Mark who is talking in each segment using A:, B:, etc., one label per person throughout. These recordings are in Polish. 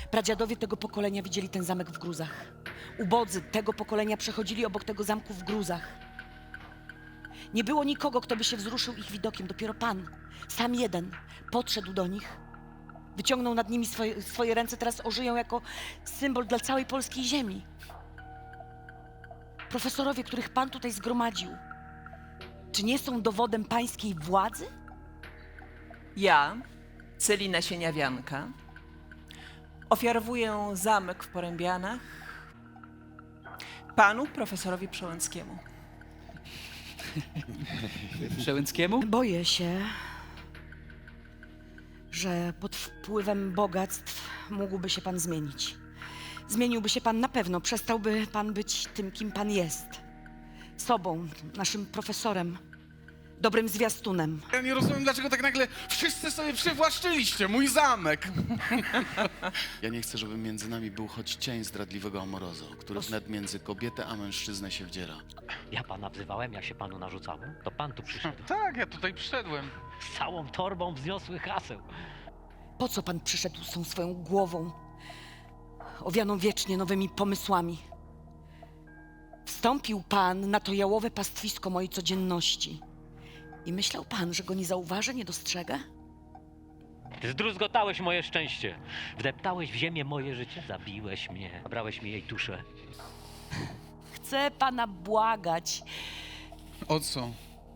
A: Pradziadowie tego pokolenia widzieli ten zamek w gruzach. Ubodzy tego pokolenia przechodzili obok tego zamku w gruzach. Nie było nikogo, kto by się wzruszył ich widokiem. Dopiero Pan, sam jeden, podszedł do nich, wyciągnął nad nimi swoje ręce, teraz ożyją jako symbol dla całej polskiej ziemi. Profesorowie, których Pan tutaj zgromadził, czy nie są dowodem pańskiej władzy?
B: Ja, Celina Sieniawianka, ofiarowuję zamek w Porębianach panu profesorowi Przełęckiemu.
C: Przełęckiemu?
A: Boję się, że pod wpływem bogactw mógłby się Pan zmienić. Zmieniłby się Pan na pewno, przestałby Pan być tym, kim Pan jest. Sobą, naszym profesorem, dobrym zwiastunem.
D: Ja nie rozumiem, dlaczego tak nagle wszyscy sobie przywłaszczyliście mój zamek. Ja nie chcę, żeby między nami był choć cień zdradliwego amorozo, który wnet między kobietę a mężczyznę się wdziera.
E: Ja pana wzywałem, jak się panu narzucało. To pan tu przyszedł.
F: Tak, ja tutaj przyszedłem.
E: Z całą torbą wzniosłych haseł.
A: Po co Pan przyszedł z tą swoją głową, owianą wiecznie nowymi pomysłami? Wstąpił Pan na to jałowe pastwisko mojej codzienności i myślał Pan, że go nie zauważę, nie dostrzegę?
E: Zdruzgotałeś moje szczęście. Wdeptałeś w ziemię moje życie. Zabiłeś mnie. Zabrałeś mi jej duszę.
A: Chcę Pana błagać,
D: O co?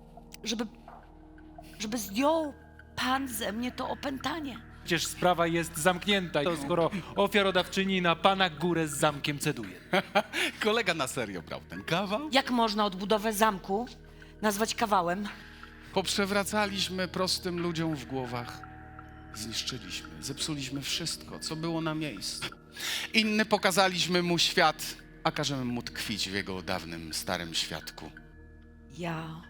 A: żeby zdjął Pan ze mnie to opętanie.
C: Przecież sprawa jest zamknięta, to skoro ofiarodawczyni na pana górę z zamkiem ceduje.
D: Kolega na serio brał ten kawał?
A: Jak można odbudowę zamku nazwać kawałem?
D: Poprzewracaliśmy prostym ludziom w głowach. Zniszczyliśmy, zepsuliśmy wszystko, co było na miejscu. Inny pokazaliśmy mu świat, a każemy mu tkwić w jego dawnym, starym światku.
A: Ja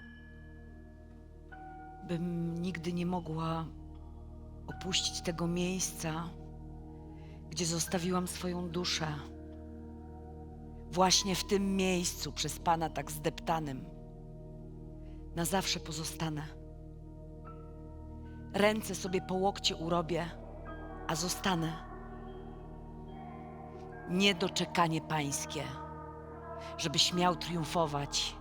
A: bym nigdy nie mogła opuścić tego miejsca, gdzie zostawiłam swoją duszę. Właśnie w tym miejscu, przez Pana tak zdeptanym, na zawsze pozostanę. Ręce sobie po łokcie urobię, a zostanę. Niedoczekanie Pańskie, żebyś miał triumfować